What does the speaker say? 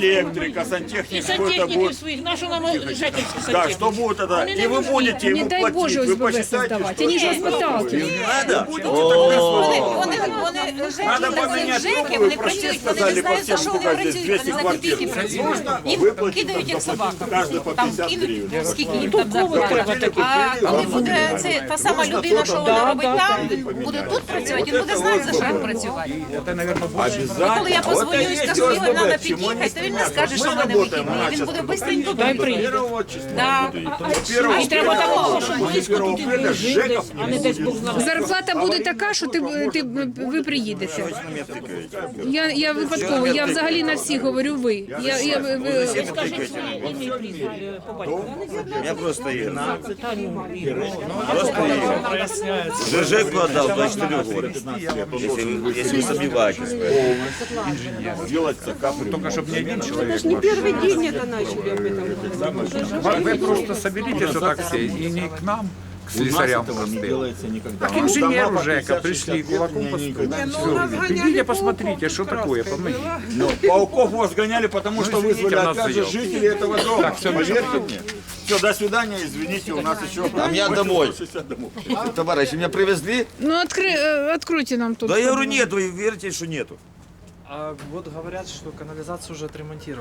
электрика, сантехник, И какой-то сантехники будет. своих, нашу нам жительских Да, сантехников. что будет это? Они И вы нам нужны. будете Не ему дай платить. Боже Вы СББ посчитайте, создавать. что Они же это вас выталкивают. будет. Надо? Будете тогда Вони Надо поменять ЖЕКи, трубы, вони вы почти працюють, вони сказали не по знають, за всем, що вони сколько здесь, працюють, 200 вони за квартир. копійки працюють. Нужно Їм выплатить кидають як собакам. каждый по Там 50 кинуть, гривен. скільки їм там зарплата. А коли буде це та сама людина, що вона робить там, буде тут працювати, він буде знати, за що він працювати. І коли я позвоню і скажу, його треба під'їхати, то він не скаже, що в мене вихідний. Він буде швидко Дай тут. приїде. Да. І треба такого, щоб близько туди не жити десь, а не десь Бог знає. Зарплата буде така, що ви приїдете. Я випадково, я взагалі на всіх говорю ви. Скажіть своє ім'я і прізвище по батькові. Я просто Игорь. Просто ЖЖ продал 24 года. Если вы сомневаетесь. Делать капли. Только чтобы не один человек. Это ж не первый день это начали об этом. Вы просто соберитесь вот так все, и не к нам, к У нас слесарям этого не простым, делается никогда. а к У нас инженеру дома по ЖЭКа 50-60 пришли, лет кулаком не постукали. никогда. Идите посмотрите, что такое, помогите. Но пауков вас гоняли, потому что извините, вызвали у нас опять же заел. жители этого дома. Так, всё, Поверьте мне. Все, до свидания, извините, у нас еще... А меня домой. 60 домов. Товарищи, меня привезли? Ну, откройте нам тут. Да я говорю, нету, и верите, что нету. А вот говорят, что канализацию уже отремонтировали.